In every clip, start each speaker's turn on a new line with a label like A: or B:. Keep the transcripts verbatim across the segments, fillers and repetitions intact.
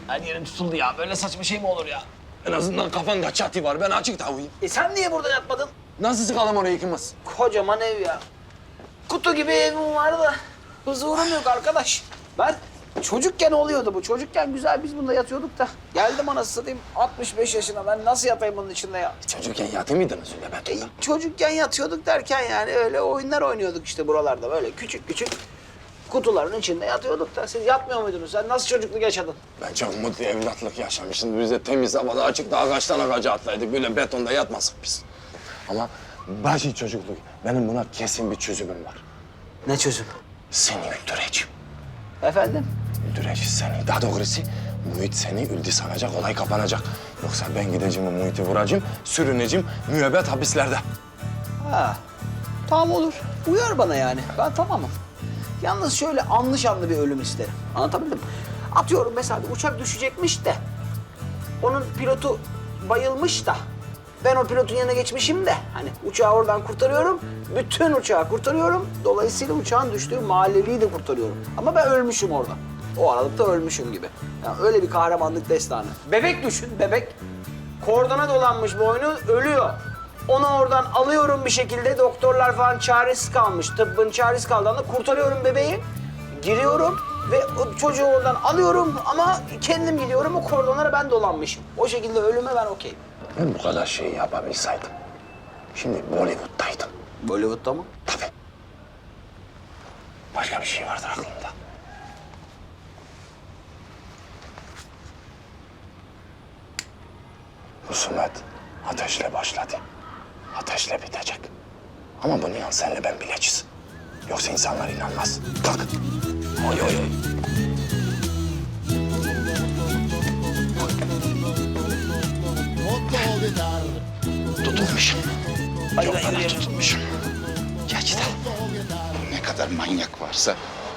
A: Her yerim tutuldu ya. Böyle saçma şey mi olur ya?
B: En azından kafanda çatı var. Ben açıkta uyuyayım.
A: E sen niye burada yatmadın?
B: Nasıl sıkalım orayı ikimiz?
A: Kocaman ev ya. Kutu gibi evim var da huzurum yok arkadaş. Ben çocukken oluyordu bu. Çocukken güzel biz bunda yatıyorduk da. Geldim anasını satayım altmış beş yaşına. Ben nasıl yatayım bunun içinde ya?
B: Çocukken yatı mıydınız öyle
A: E,
B: betonda?
A: çocukken yatıyorduk derken yani öyle oyunlar oynuyorduk işte buralarda. Böyle küçük küçük kutuların içinde yatıyorduk da. Siz yatmıyor muydunuz? Sen nasıl çocukluk yaşadın?
B: Ben çok mutlu evlatlık yaşamışım. Biz de temiz havada açıkta ağaçtan ağaca atlaydık. Böyle betonda yatmasak biz. Ama başı çocukluk. Benim buna kesin bir çözümüm var.
A: Ne çözüm?
B: Seni öldüreceğim.
A: Efendim?
B: Öldüreceğiz seni. Daha doğrusu Muhit seni öldü sanacak, olay kapanacak. Yoksa ben gideceğim Muhit'i vuracağım, sürüneceğim müebbet hapislerde.
A: Ha. Tamam olur. Uyar bana yani. Ben tamamım. Yalnız şöyle anlı şanlı bir ölüm isterim. Anlatabildim mi? Atıyorum mesela bir uçak düşecekmiş de onun pilotu bayılmış da ben o pilotun yanına geçmişim de hani uçağı oradan kurtarıyorum, bütün uçağı kurtarıyorum. Dolayısıyla uçağın düştüğü mahalleyi de kurtarıyorum. Ama ben ölmüşüm orada. O aralıkta ölmüşüm gibi. Yani öyle bir kahramanlık destanı. Bebek düşün, bebek. Kordona dolanmış boynu, ölüyor. Onu oradan alıyorum bir şekilde. Doktorlar falan çaresiz kalmış. Tıbbın çaresiz kaldığında kurtarıyorum bebeği. Giriyorum ve o çocuğu oradan alıyorum ama kendim gidiyorum. O kordonlara ben dolanmışım. O şekilde ölüme ben okeyim.
B: Ben bu kadar şeyi yapabilseydim. Şimdi Bollywood'daydım.
A: Bollywood'da mı?
B: Tabii. Başka bir şey vardır aklımda. Husumet ateşle başladı. Ateşle bitecek. Ama bunu yan senle ben bileceğiz. Yoksa insanlar inanmaz. Kalk. Oy oy oy. Tutulmuşum.
A: Hadi
B: Çok
A: ben
B: fena
A: yürüyelim.
B: tutulmuşum. Gel gidelim.
C: Ne kadar manyak varsa.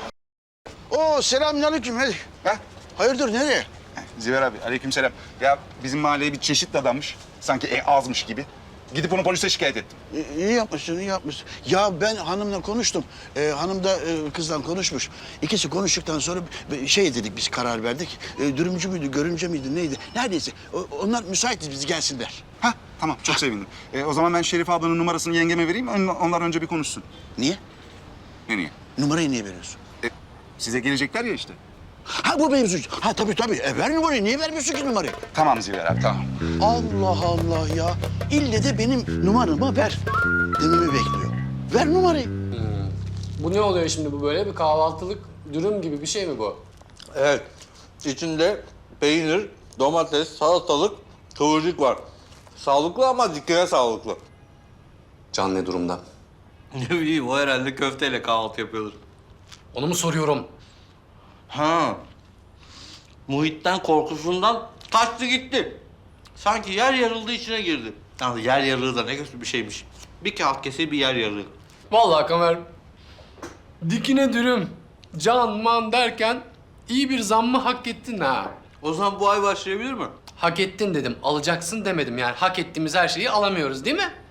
D: Oo selamünaleyküm. Hadi.
C: Ha?
D: Hayırdır nereye?
C: Ziver abi, aleykümselam. Ya bizim mahalleye bir çeşit dadanmış. Sanki e, azmış gibi. Gidip onu polise şikayet ettim.
D: İyi, iyi yapmışsın, iyi yapmışsın. Ya ben hanımla konuştum. Ee, hanım da e, kızla konuşmuş. İkisi konuştuktan sonra bir şey dedik, biz karar verdik. E, dürümcü müydü, görümce miydi, neydi? Neredeyse. O- onlar müsaitiz, biz gelsinler.
C: Ha, tamam. Çok sevindim. E, o zaman ben Şerif ablanın numarasını yengeme vereyim. On- Onlar önce bir konuşsun.
D: Niye?
C: Ne niye?
D: Numarayı niye veriyorsun?
C: E, size gelecekler ya işte.
D: Ha bu mevzu. Ha tabii tabii. E, ver numarayı. Niye vermiyorsun ki numarayı?
C: Tamam Ziver abi, tamam.
D: Allah Allah ya. İlle de benim numaramı ver dememi bekliyor. Ver numarayı.
E: Bu ne oluyor şimdi bu böyle? Bir kahvaltılık dürüm gibi bir şey mi bu?
F: Evet. İçinde peynir, domates, salatalık, kıvırcık var. Sağlıklı ama dikine sağlıklı.
G: Can ne durumda?
F: Ne bileyim, o herhalde köfteyle kahvaltı yapıyordur.
E: Onu mu soruyorum?
F: Ha. Muhit'ten korkusundan kaçtı gitti. Sanki yer yarıldı, içine girdi. Yani yer yarığı da ne kötü bir şeymiş. Bir kağıt kese bir yer yarığı.
E: Vallahi Kamer, dikine dürüm, can man derken iyi bir zammı hak ettin ha.
F: O zaman bu ay başlayabilir mi?
E: Hak ettin dedim, alacaksın demedim. Yani hak ettiğimiz her şeyi alamıyoruz değil mi?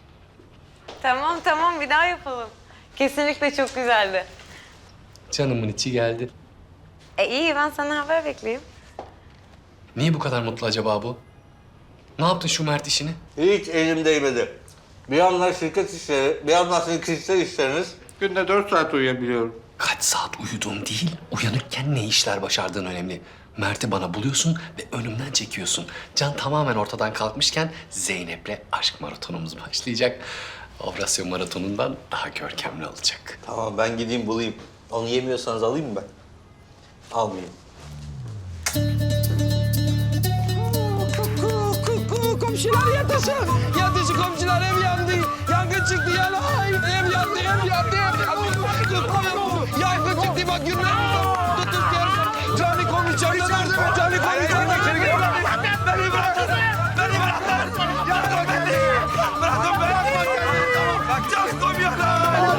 H: Tamam tamam bir daha yapalım. Kesinlikle çok güzeldi.
E: Canımın içi geldi.
H: E iyi ben sana haber bekleyeyim.
E: Niye bu kadar mutlu acaba bu? Ne yaptın şu Mert işini?
F: Hiç elim değmedi. Bir yandan şirket işleri, bir yandan sizin kişisel işleriniz. Günde dört saat uyuyabiliyorum.
E: Kaç saat uyuduğun değil, uyanıkken ne işler başardığın önemli. Mert'i bana buluyorsun ve önümden çekiyorsun. Can tamamen ortadan kalkmışken Zeynep'le aşk maratonumuz başlayacak. Operasyon maratonundan daha görkemli olacak.
F: Tamam, ben gideyim bulayım. Onu yemiyorsanız alayım mı ben? Almayayım.
A: Komşular yatışın. Yatışı komşular ev yandı. Yangın çıktı yanay. Ev yandı, ev yandı, ev yandı. Yangın çıktı bak günler. Tutun gel. Cani komşu çarşıda. Cani komşu çarşıda. Beni bırakın. Beni bırakın. Yardım edin. Bırakın bırakın. Bak can koyuyorlar.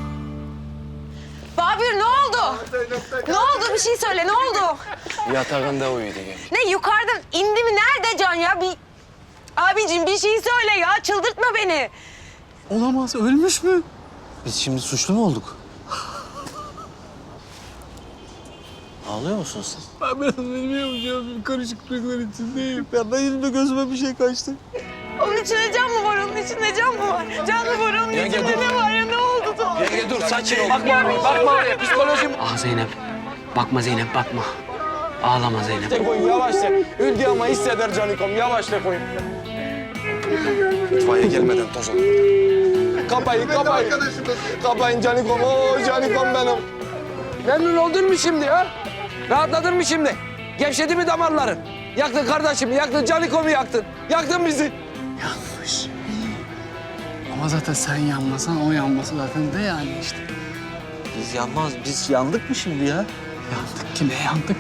H: Babür ne oldu? Ne oldu bir şey söyle ne oldu?
B: Yatağında uyudu gel.
H: Ne yukarıdan indi mi nerede Can ya? Bir... Abicim bir şey söyle ya çıldırtma beni.
I: Olamaz, ölmüş mü? Biz şimdi suçlu mu olduk?
F: Ağlıyor musun sen?
I: Ben biraz bilmiyorum. Karışıklıklar içindeyim. Ya da yüzüme gözüme bir şey kaçtı.
H: Onun içinde can mı var? Onun içinde can mı var? Can mı var? Onun içinde ne var ya? Ne oldu da?
E: Yenge dur sakin ol. Bakma oraya, bakma oraya. Psikolojim...
J: Ah Zeynep. Bakma Zeynep bakma. Ağlama Zeynep.
K: Koyun yavaşça. Üldü ama hisseder Canikom. Yavaşla koyun.
B: İtfaiye gelmeden toz olur.
K: Kapayın, kapayın. Kapayın Canikom. Oo Canikom benim. Memnun oldun mu şimdi ha? Rahatladın mı şimdi? Gevşedi mi damarların? Yaktın kardeşimi, yaktın Canikom'u yaktın. Yaktın bizi.
I: Yanmış. Ama zaten sen yanmasan o yanması zaten de yani işte.
F: Biz yanmaz, biz yandık mı şimdi ya?
I: Yandık kime yandık?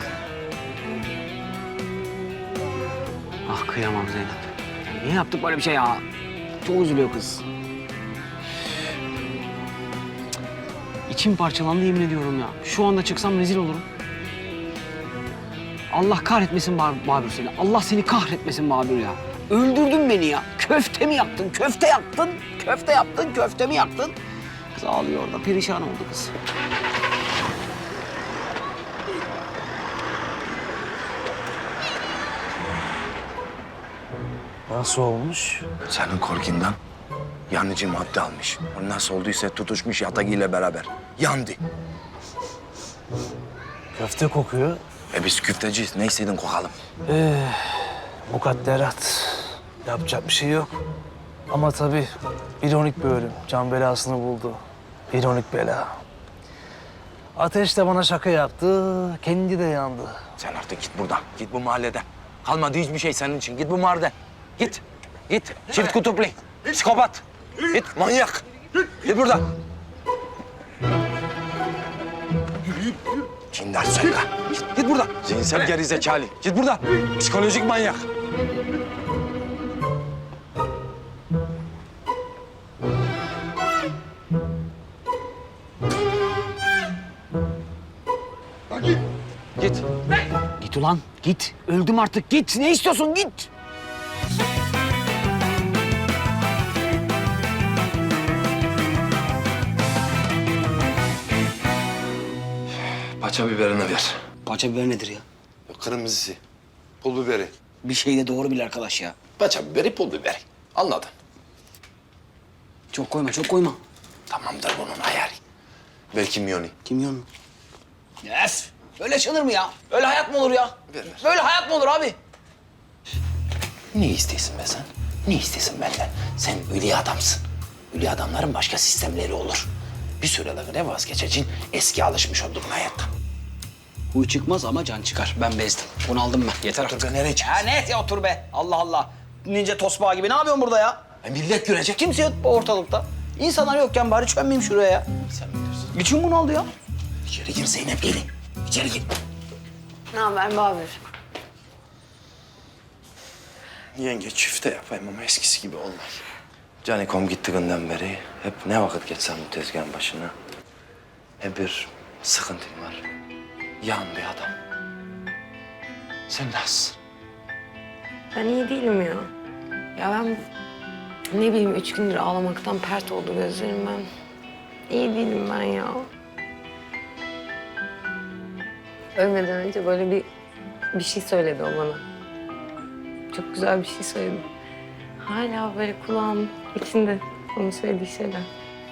J: Ah kıyamam Zeynep. Ya niye yaptık böyle bir şey ya? Çok üzülüyor kız. İçim parçalandı yemin ediyorum ya. Şu anda çıksam rezil olurum. Allah kahretmesin Babür, Babür seni. Allah seni kahretmesin Babür ya. Öldürdün beni ya. Köfte mi yaktın? Köfte yaktın. Köfte yaptın. Köfte mi yaktın? Kız ağlıyor orada. Perişan oldu kız.
F: Nasıl olmuş?
B: Senin korkundan yanıcı madde almış. O nasıl olduysa tutuşmuş yatagiyle beraber. Yandı.
F: Köfte kokuyor.
B: E biz küfteciyiz. Ne istedin kokalım.
F: Ee, mukadderat. Yapacak bir şey yok. Ama tabii ironik bir ölüm. Can belasını buldu. İronik bela. Ateş de bana şaka yaptı. Kendi de yandı.
B: Sen artık git buradan. Git bu mahalleden. Kalmadı hiçbir şey senin için. Git bu mahalleden. Git. Git. Çift kutuplu. Psikopat. Git manyak. Git buradan. Cindar söyle. Git, git buradan. Zihinsel gerizekalı. Git buradan. Psikolojik manyak. Git.
J: Git ulan git. Öldüm artık git. Ne istiyorsun git.
B: Paça biberini ver.
J: Paça biber nedir ya?
B: Kırmızısı. Pul biberi.
J: Bir şey de doğru bil arkadaş ya.
B: Paça biberi, pul biberi. Anladın.
J: Çok koyma çok koyma.
B: Tamamdır bunun ayarı. Belki miyoni.
J: Kimyon mu? Yes. Öyle yaşanır mı ya? Öyle hayat mı olur ya?
B: Ver, ver.
J: Böyle hayat mı olur abi?
B: Ne istiyorsun be sen? Ne istiyorsun benden? Sen ölü adamsın. Ölü adamların başka sistemleri olur. Bir süreliğine vazgeçeceksin. Eski alışmış olduğun hayattan.
J: Huy çıkmaz ama can çıkar. Ben bezdim. Bunu aldım ben. Yeter artık.
B: Dur be nereye çıkıyorsun?
J: Ya ne ya otur be. Allah Allah. Ninja tosbağa gibi. Ne yapıyorsun burada ya?
B: E, millet görecek.
J: Kimse yok bu ortalıkta. İnsanlar yokken bari çömmeyeyim şuraya ya.
B: Sen bilirsin.
J: İçim bunu aldı ya.
B: İçeri gir Zeynep gelin. İçeri gir.
H: Ne haber Babür?
B: Yenge çifte yapayım ama eskisi gibi olmaz. Canikom gittiğinden beri hep ne vakit geçsem bu tezgahın başına hep bir sıkıntım var. Yan bir adam. Sen nasılsın?
H: Ben iyi değilim ya. Ya ben ne bileyim üç gündür ağlamaktan pert oldu gözlerim ben. İyi değilim ben ya. Ölmeden önce böyle bir bir şey söyledi o bana. Çok güzel bir şey söyledi. Hala böyle kulağım içinde onun söylediği şeyler.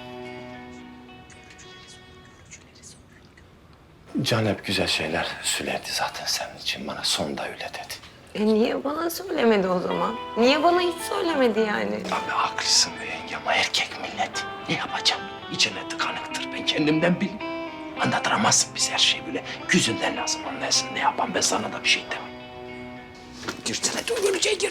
B: Can hep güzel şeyler söylerdi zaten senin için. Bana son da öyle dedi.
H: E niye bana söylemedi o zaman? Niye bana hiç söylemedi yani?
B: Abi haklısın be yenge ama erkek millet. Ne yapacağım? İçine tıkanıktır. Ben kendimden bileyim. Anlatamazsın biz her şeyi böyle. Gözünden lazım anlayasın. Ne yapan ben sana da bir şey demem. Girsene dur göreceğe gir.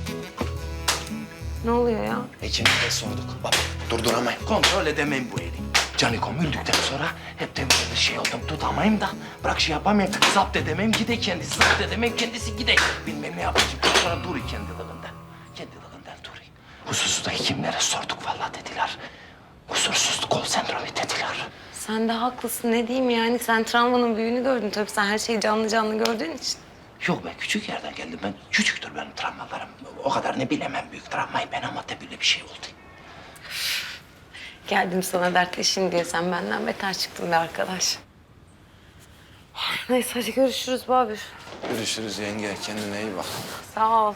H: Ne oluyor ya?
B: İçine de sorduk. Bak durduramayın. Kontrol edemeyin bu eli. Canikom öldükten sonra hep de böyle şey oldum. Tutamayayım da bırak şey yapamayayım. Zapt edemeyim gide kendisi. Zapt edemeyim kendisi gide. Bilmem ne yapacağım. Sonra duru kendiliğinden. Kendiliğinden duru. Hususu da hekimlere sorduk vallahi dediler. Huzursuzluk kol sendromu dediler.
H: Sen de haklısın ne diyeyim yani sen travmanın büyüğünü gördün tabii sen her şeyi canlı canlı gördüğün için.
B: Yok ben küçük yerden geldim. Ben küçüktür benim travmalarım. O kadar ne bilemem büyük travmayı ben ama de böyle bir şey oldu.
H: Geldim sana dertleşin diye sen benden beter çıktın be arkadaş. Neyse hadi görüşürüz Babür.
B: Görüşürüz yenge. Kendine iyi bak.
H: Sağ ol.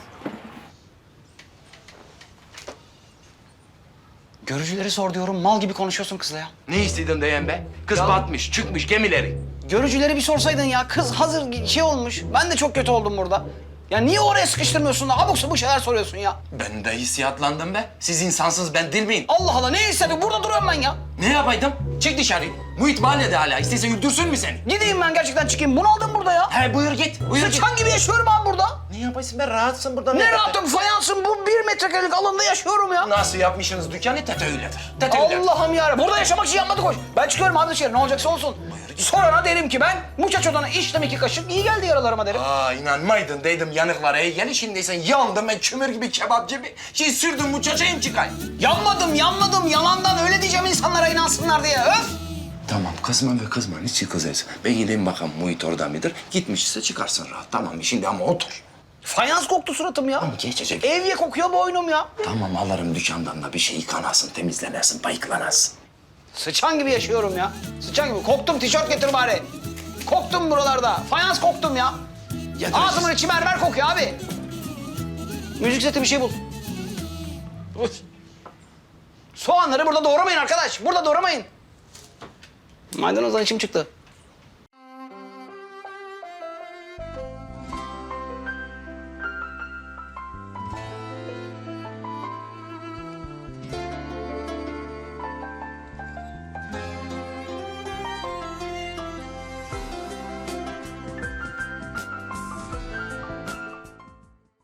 J: Görücüleri sor diyorum. Mal gibi konuşuyorsun kızla ya.
B: Ne istedin diyen be? Kız batmış, çıkmış gemileri.
J: Görücüleri bir sorsaydın ya. Kız hazır şey olmuş. Ben de çok kötü oldum burada. Ya niye oraya sıkıştırmıyorsun da abuk sabuk şeyler soruyorsun ya?
B: Ben de hissiyatlandım be. Siz insansınız, ben değil miyim?
J: Allah Allah ne hissediyorsun? Burada duruyorum ben ya.
B: Ne yapaydım? Çık dışarı. Muhit mahallede hala. İstese öldürsün mü seni?
J: Gideyim ben gerçekten çıkayım. Bunu aldım burada ya.
B: He buyur git. Buyur git.
J: Sıçan gibi yaşıyorum abi burada.
B: Ne yaparsın be? Rahatsın burada.
J: Ne rahatım fayansın bu bir metrekarelik alanda yaşıyorum ya.
B: Nasıl yapmışsınız dükkanı? Tete öyledir. Tete öyledir.
J: Allah'ım ya. Burada yaşamak için yapmadık hoş. Ben çıkıyorum abi dışarı ne olacaksa olsun. Sorana derim ki ben muchacho'dan içtim iki kaşık iyi geldi yaralarıma derim.
B: Aa inanmaydın dedim yanıklara iyi gel şimdi sen yandım ben kömür gibi kebap gibi. Şey sürdüm muçacayım çıkayım.
J: Yanmadım yanmadım yalandan öyle diyeceğim insanlara inansınlar diye öf.
B: Tamam kızma ve kızma niçin kızıyorsun? Ben gideyim bakalım Muhit orada mıdır? Gitmişse çıkarsın rahat tamam şimdi ama otur.
J: Fayans koktu suratım ya.
B: Tamam geçecek.
J: Evye kokuyor boynum ya.
B: Tamam alırım dükkandan da bir şey yıkanasın, temizlenasın, bayıklanasın.
J: Sıçan gibi yaşıyorum ya. Sıçan gibi. Koktum tişört getir bari. Koktum buralarda. Fayans koktum ya. Ağzımın içi mermer kokuyor abi. Müzik seti bir şey bul. Uf. Soğanları burada doğramayın arkadaş. Burada doğramayın. Maydanozdan içim çıktı.